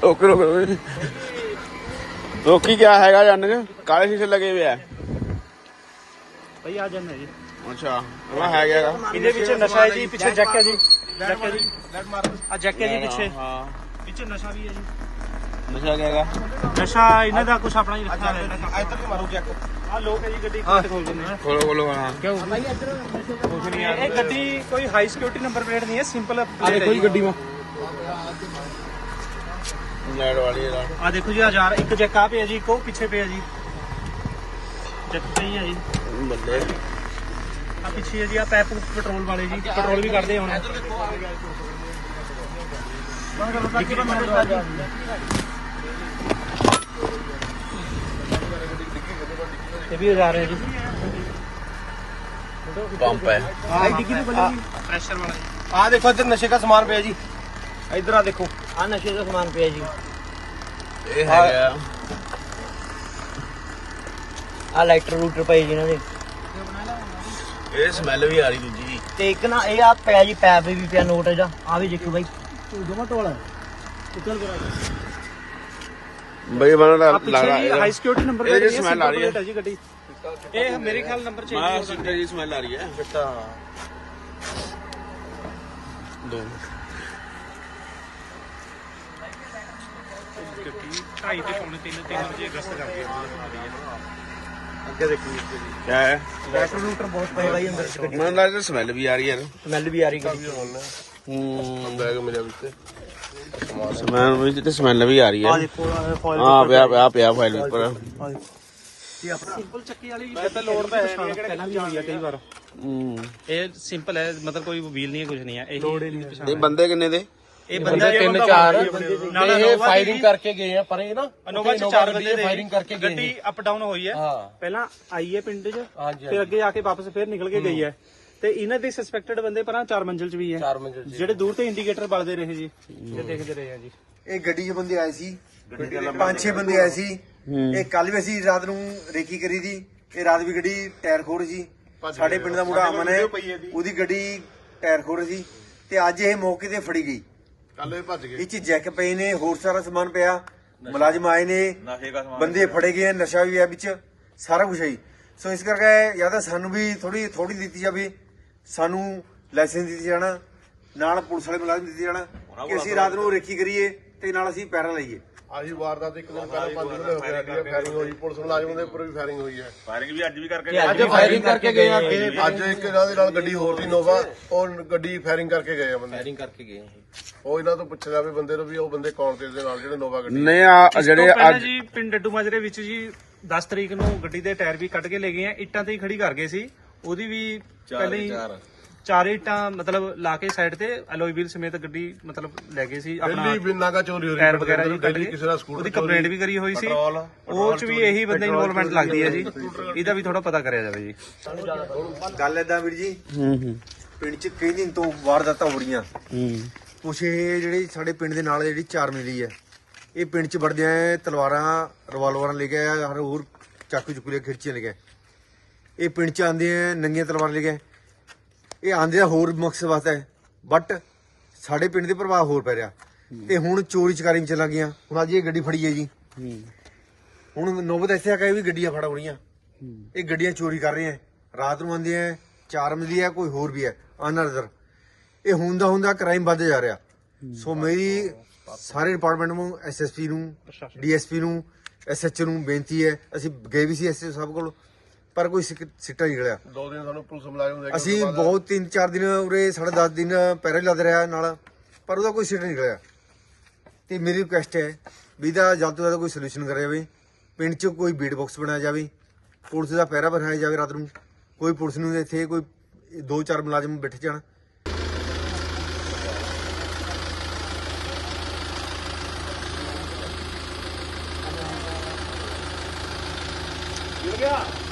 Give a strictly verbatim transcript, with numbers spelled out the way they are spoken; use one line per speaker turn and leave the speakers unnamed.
रोक रोक रोकी क्या हैगा जान के काले शीशे लगे हुए है
भाई आ जाना जी।
अच्छा मैं है क्या
ਇਹਦੇ ਵਿੱਚ ਨਸ਼ਾ ਹੈ ਜੀ ਪਿੱਛੇ ਜੈਕ ਹੈ ਜੀ ਜੈਕ ਹੈ ਜੀ ਆ ਜੈਕ ਹੈ ਜੀ ਪਿੱਛੇ
हाँ
ਪਿੱਛੇ ਨਸ਼ਾ ਵੀ ਹੈ ਜੀ
नशा क्या हैगा
ਨਸ਼ਾ ਇਹਨਾਂ ਦਾ ਕੁਝ ਆਪਣਾ ਹੀ ਰੱਖਿਆ ਹੋਇਆ ਹੈ ਇੱਧਰ ਮਾਰੋ ਜੈਕ ਆ ਲੋਕ ਹੈ ਜੀ ਗੱਡੀ ਖੋਲ ਦਿੰਦੇ ਨੇ
खोलो खोलो हाँ
ਕੁਝ ਨਹੀਂ ਯਾਰ ਇਹ ਗੱਡੀ ਕੋਈ ਹਾਈ ਸਿਕਿਉਰਿਟੀ ਨੰਬਰ ਪਲੇਟ ਨਹੀਂ ਹੈ ਸਿੰਪਲ ਆ ਦੇਖੋ ਜੀ
ਗੱਡੀ में लाइट वाली है
ਆ ਦੇਖੋ ਜੀ ਹਜ਼ਾਰ ਇੱਕ ਜੈਕ ਆ ਪਿਆ ਜੀ ਇੱਕ ਉਹ ਪਿੱਛੇ ਪਿਆ ਜੀ ਜੈਕ ਸਹੀ ਹੈ ਜੀ
बंदे
ਆ ਪਿੱਛੇ ਹੈ ਜੀ ਆ ਪੈਪ ਪੈਟਰੋਲ ਵਾਲੇ ਜੀ ਪੈਟਰੋਲ ਵੀ ਕੱਢਦੇ ਹੁਣ ਇਹ ਵੀ ਹਜ਼ਾਰ ਹੈ ਜੀ
पंप है
ਪ੍ਰੈਸ਼ਰ ਵਾਲਾ ਜੀ
ਆ ਦੇਖੋ ਇੱਧਰ ਨਸ਼ੇ ਦਾ ਸਮਾਨ ਪਿਆ ਜੀ ਇੱਧਰ ਆ ਦੇਖੋ
ਆ ਨਸ਼ੇ ਦਾ ਸਮਾਨ ਪਿਆ ਜੀ
ये है
ਆ ਲਾਈਟਰ ਰੂਟਰ ਪਏ ਜੀ ਇਹਨਾਂ ਦੇ
ये स्मेल भी आ रही दूजी
ਤੇ ਇੱਕ ਨਾ ਇਹ ਆ ਪਿਆ ਜੀ ਪੈਪ ਵੀ ਪਿਆ ਨੋਟ ਇਹਦਾ ਆ ਵੀ ਦੇਖੋ ਬਾਈ ਦੋਵਾਂ ਟੋਲਾ ਚੱਲ ਕਰਾ
भाई बना
ਆ
लग
ਪਿੱਛੇ
रहा
ਜੀ ਹਾਈ ਸਿਕਿਉਰਿਟੀ ਨੰਬਰ
ਇਹਦੇ
ਪਲੇਟ
ਚ
ਹੈ
smell ਆ ਰਹੀ ਹੈ।
ਜੀ ਗੱਡੀ ਇਹ ਮੇਰੇ ਖਿਆਲ ਨੰਬਰ ਚੇਂਜ
मैं
ਹੋ ਸਕਦਾ
सिगरेट की स्मेल आ रही है
ਚਿੱਟਾ
दो
ਗੱਡੀ ਢਾਈ ਤੇ ਪੌਣੇ ਤਿੰਨ ਤਿੰਨ ਵਜੇ ਅਗਸਤ ਕਰਕੇ
ਅੱਗੇ ਦੇਖੋ ਜੀ
क्या है
ਲੈਟਰ ਰੂਟਰ ਬਹੁਤ ਪਏ ਬਾਈ ਅੰਦਰ ਗੱਡੀ
मैं लगा स्मेल भी आ रही है
ਸਮੈਲ ਵੀ ਆ ਰਹੀ ਗੱਡੀ
हम्म
ਬੈਗ ਮਿਲਿਆ ਵਿੱਚ
स्मेल भी तो स्मेल भी आ रही
ਆ
है
ਦੇਖੋ ਫੋਇਲ
हाँ पिया पिया पिया फाइल पर
ਇਹ ਆਪਣਾ ਸਿੰਪਲ ਚੱਕੀ ਵਾਲੀ ਵੈਸੇ ਲੋਡ ਤਾਂ ਹੈ ਨਹੀਂ ਪਹਿਲਾਂ ਵੀ ਹੋਈ ਆ ਕਈ ਵਾਰ
हम्म
ਇਹ ਸਿੰਪਲ ਹੈ ਮਤਲਬ ਕੋਈ ਵੀਲ ਨਹੀਂ ਹੈ ਕੁਝ ਨਹੀਂ ਹੈ ਇਹ ਲੋਡ ਨਹੀਂ
ये बंदे किन्ने दे
ਇਹ ਬੰਦਾ
ਤਿੰਨ ਚਾਰ
ਨਾਲ
ਇਹ ਫਾਇਰਿੰਗ ਕਰਕੇ ਗਏ ਆ ਪਰ ਇਹ ਨਾ
ਅਨੋਵਾ ਚ ਚਾਰ ਬੰਦੇ ਦੇ
ਫਾਇਰਿੰਗ ਕਰਕੇ ਗਏ
ਗੱਡੀ ਅਪ ਡਾਊਨ ਹੋਈ ਹੈ
ਹਾਂ
ਪਹਿਲਾਂ ਆਈ ਹੈ ਪਿੰਡ 'ਚ
ਹਾਂਜੀ
ਫਿਰ ਅੱਗੇ ਆ ਕੇ ਵਾਪਸ ਫਿਰ ਨਿਕਲ ਕੇ ਗਈ ਹੈ ਤੇ ਇਹਨਾਂ ਦੇ ਸਸਪੈਕਟਡ ਬੰਦੇ ਪਰਾਂ ਚਾਰ ਮੰਜ਼ਿਲ 'ਚ ਵੀ ਹੈ
ਚਾਰ ਮੰਜ਼ਿਲ
ਜਿਹੜੇ ਦੂਰ ਤੇ ਇੰਡੀਕੇਟਰ ਬਲਦੇ ਰਹੇ ਜੀ ਇਹ ਦੇਖਦੇ ਰਹੇ ਆ ਜੀ
ਇਹ ਗੱਡੀ 'ਚ ਬੰਦੇ ਆਏ ਸੀ ਪੰਜ ਛੇ ਬੰਦੇ ਆਏ ਸੀ ਇਹ ਕੱਲ ਵੀ ਅਸੀਂ ਰਾਤ ਨੂੰ ਰੇਕੀ ਕਰੀ ਦੀ ਇਹ ਰਾਤ ਵੀ ਗੱਡੀ ਟਾਇਰ ਖੋਰ ਸੀ ਸਾਡੇ ਪਿੰਡ ਦਾ ਮੁੰਡਾ ਅਮਨ ਹੈ ਉਹਦੀ ਗੱਡੀ ਟਾਇਰ ਖੋਰ ਸੀ ਤੇ ਅੱਜ ਇਹ ਮੌਕੇ ਤੇ ਫੜੀ ਗਈ
ਕੱਲ ਇਹ ਭੱਜ ਗਏ
ਇਹ 'ਚ ਜੈਕ ਪਏ ਨੇ ਹੋਰ ਸਾਰਾ ਸਮਾਨ ਪਿਆ ਮੁਲਾਜ਼ਮ ਆਏ ਨੇ ਬੰਦੇ ਫੜੇ ਗਏ ਨਸ਼ਾ ਵੀ ਹੈ ਵਿੱਚ ਸਾਰਾ ਕੁਝ ਹੈ ਸੋ ਇਸ ਕਰਕੇ ਜਾਂ ਤਾਂ ਸਾਨੂੰ ਵੀ ਥੋੜੀ ਥੋੜੀ ਦਿੱਤੀ ਜਾਵੇ ਸਾਨੂੰ ਲਾਇਸੈਂਸ ਦਿੱਤੀ ਜਾਣਾ ਨਾਲ ਪੁਲਿਸ ਵਾਲੇ ਮੁਲਾਜ਼ਮ ਦਿੱਤੇ ਜਾਣਾ ਕਿ ਅਸੀਂ ਰਾਤ ਨੂੰ ਰੇਕੀ ਕਰੀਏ ਤੇ ਨਾਲ ਅਸੀਂ ਪੈਰਾ ਲਈਏ
ਆਹੀ ਵਾਰਦਾਤ ਇੱਕ ਦਿਨ ਪਹਿਲਾਂ ਪੰਜ ਦਿਨ ਹੋ ਗਏ ਸਾਡੀ ਫਾਇਰਿੰਗ ਹੋਈ ਪੁਲਿਸ ਮੁਲਾਜ਼ਮਾਂ ਦੇ ਉੱਪਰ ਵੀ ਫਾਇਰਿੰਗ ਹੋਈ ਹੈ
फायरिंग भी आज भी करके
ਅੱਜ ਫਾਇਰਿੰਗ ਕਰਕੇ ਗਏ ਆ ਅੱਗੇ ਅੱਜ ਇੱਕ ਇਹਨਾਂ ਦੇ ਨਾਲ ਗੱਡੀ ਹੋਰ ਦੀ ਨੋਵਾ ਉਹ ਗੱਡੀ ਫਾਇਰਿੰਗ ਕਰਕੇ ਗਏ ਆ ਬੰਦੇ ਫਾਇਰਿੰਗ ਕਰਕੇ ਗਏ ਉਹ ਇਹਨਾਂ ਤੋਂ ਪੁੱਛਿਆ ਵੀ ਬੰਦੇ ਨੂੰ ਵੀ ਉਹ ਬੰਦੇ ਕੌਣ ਤੇ ਇਹਦੇ ਨਾਲ ਜਿਹੜੇ ਨੋਵਾ ਗੱਡੀ
नहीं आ जड़े
ਪਹਿਲਾਂ
आज
ਜੀ ਪਿੰਡ ਡੱਡੂ ਮਾਜਰੇ ਵਿੱਚ ਜੀ ਦਸ ਤਰੀਕ ਨੂੰ ਗੱਡੀ ਦੇ ਟਾਇਰ ਵੀ ਕੱਢ ਕੇ ਲੈ ਗਏ ਆ ਇੱਟਾਂ ਤੇ ਹੀ ਖੜੀ ਕਰ ਗਏ ਸੀ ਉਹਦੀ ਵੀ ਪਹਿਲੇ ਹੀ ਚਾਰ ਇੱਟਾਂ ਮਤਲਬ ਲਾ ਕੇ ਸਾਈਡ ਤੇ ਅਲੋਈ ਵੀਲ ਸਮੇਤ ਗੱਡੀ ਮਤਲਬ ਲੈ ਗਏ ਸੀ ਆਪਣਾ
ਦਿੱਲੀ ਬਿਨਾਂ ਕਾ ਚੋਰੀ ਹੋ ਰਹੀ
ਟਾਇਰ ਵਗੈਰਾ ਜੀ ਕੱਢ
ਦਿੱਲੀ
ਕੇ
ਕਿਸੇ ਦਾ ਸਕੂਟਰ
ਉਹਦੀ ਕੰਪਲੇਂਟ ਵੀ ਕਰੀ ਹੋਈ ਸੀ ਉਹ ਚ ਵੀ ਇਹੀ ਬੰਦੇ ਇਨਵੋਲਵਮੈਂਟ ਲੱਗਦੀ ਹੈ ਜੀ ਇਹਦਾ ਵੀ ਥੋੜਾ ਪਤਾ ਕਰਿਆ ਜਾਵੇ ਜੀ
ਗੱਲ ਏਦਾਂ ਵੀਰ ਜੀ
हम्म हम्म
ਪਿੰਡ 'ਚ ਕਈ ਦਿਨ ਤੋਂ ਵਾਰਦਾਤਾਂ ਹੋ ਰਹੀਆਂ
हम्म
ਕੁਛ ਇਹ ਜਿਹੜੀ ਸਾਡੇ ਪਿੰਡ ਦੇ ਨਾਲ ਜਿਹੜੀ ਚਾਰ ਮਿਲੀ ਹੈ ਇਹ ਪਿੰਡ 'ਚ ਵੜਦੇ ਆ ਤਲਵਾਰਾਂ ਰਿਵਾਲਵਰਾਂ ਲੈ ਕੇ ਆ ਹਰ ਹੋਰ ਚਾਕੂ ਚੁੱਕ ਲੈ ਖਿਰਚੀਆਂ ਲੈ ਕੇ ਇਹ ਪਿੰਡ 'ਚ ਆਂਦੇ ਆ ਨੰਗੀਆਂ ਤਲਵਾਰਾਂ ਲੈ ਕੇ ਇਹ ਆਂਦੇ ਆ ਹੋਰ ਮਕਸਦ ਵਾਸਤੇ ਬਟ ਸਾਡੇ ਪਿੰਡ ਦੇ ਪ੍ਰਭਾਵ ਹੋਰ ਪੈ ਰਿਹਾ ਤੇ ਹੁਣ ਚੋਰੀ ਚਕਾਰੀ ਵਿੱਚ ਚੱਲਾਂ ਗਈਆਂ ਹੁਣ ਅੱਜ ਇਹ ਗੱਡੀ ਫੜੀ ਹੈ ਜੀ ਹੁਣ ਨੋਬਤ ਐਸੇ ਆ ਕਿ ਵੀ ਗੱਡੀਆਂ ਫੜ ਹੋ ਰਹੀਆਂ ਇਹ ਗੱਡੀਆਂ ਚੋਰੀ ਕਰ ਰਹੇ ਆ ਰਾਤ ਨੂੰ ਆਂਦੇ ਆ ਚਾਰ ਮਿਲੀ ਹੈ ਕੋਈ ਹੋਰ ਵੀ ਹੈ ਅਨਰਦਰ ਇਹ ਹੁੰਦਾ ਹੁੰਦਾ ਕ੍ਰਾਈਮ ਵੱਧ ਜਾ ਰਿਹਾ ਸੋ ਮੇਰੀ ਸਾਰੇ ਡਿਪਾਰਟਮੈਂਟ ਨੂੰ ਐਸਐਸਪੀ ਨੂੰ ਡੀਐਸਪੀ ਨੂੰ ਐਸਐਚਓ ਨੂੰ ਬੇਨਤੀ ਹੈ ਅਸੀਂ ਗਏ ਵੀ ਸੀ ਐਸਐਚਓ ਸਾਹਿਬ ਕੋਲ ਪਰ ਕੋਈ ਸਿੱਟਾ ਨਹੀਂ ਨਿਕਲਿਆ
ਦੋ ਦਿਨ ਸਾਨੂੰ ਪੁਲਿਸ ਮੁਲਾਜ਼ਮ ਦੇ
ਅਸੀਂ ਬਹੁਤ ਤਿੰਨ ਚਾਰ ਦਿਨ ਉਰੇ ਸਾਢੇ ਦਸ ਦਿਨ ਪਹਿਰੇ ਲੱਦ ਰਿਹਾ ਨਾਲ ਪਰ ਉਹਦਾ ਕੋਈ ਸਿੱਟਾ ਨਹੀਂ ਨਿਕਲਿਆ ਤੇ ਮੇਰੀ ਰਿਕੁਐਸਟ ਹੈ ਵੀ ਇਹਦਾ ਜਲਦ ਤੋਂ ਜਲਦ ਕੋਈ ਸੋਲੂਸ਼ਨ ਕਰਿਆ ਜਾਵੇ ਪਿੰਡ 'ਚ ਕੋਈ ਬੀਟ ਬਾਕਸ ਬਣਾਇਆ ਜਾਵੇ ਪੁਲਿਸ ਦਾ ਪਹਿਰਾ ਬਣਾਇਆ ਜਾਵੇ ਰਾਤ ਨੂੰ ਕੋਈ ਪੁਲਿਸ ਨੂੰ ਇੱਥੇ ਕੋਈ ਦੋ ਚਾਰ ਮੁਲਾਜ਼ਮ ਬੈਠੇ ਜਾਣ
ਗਿਆ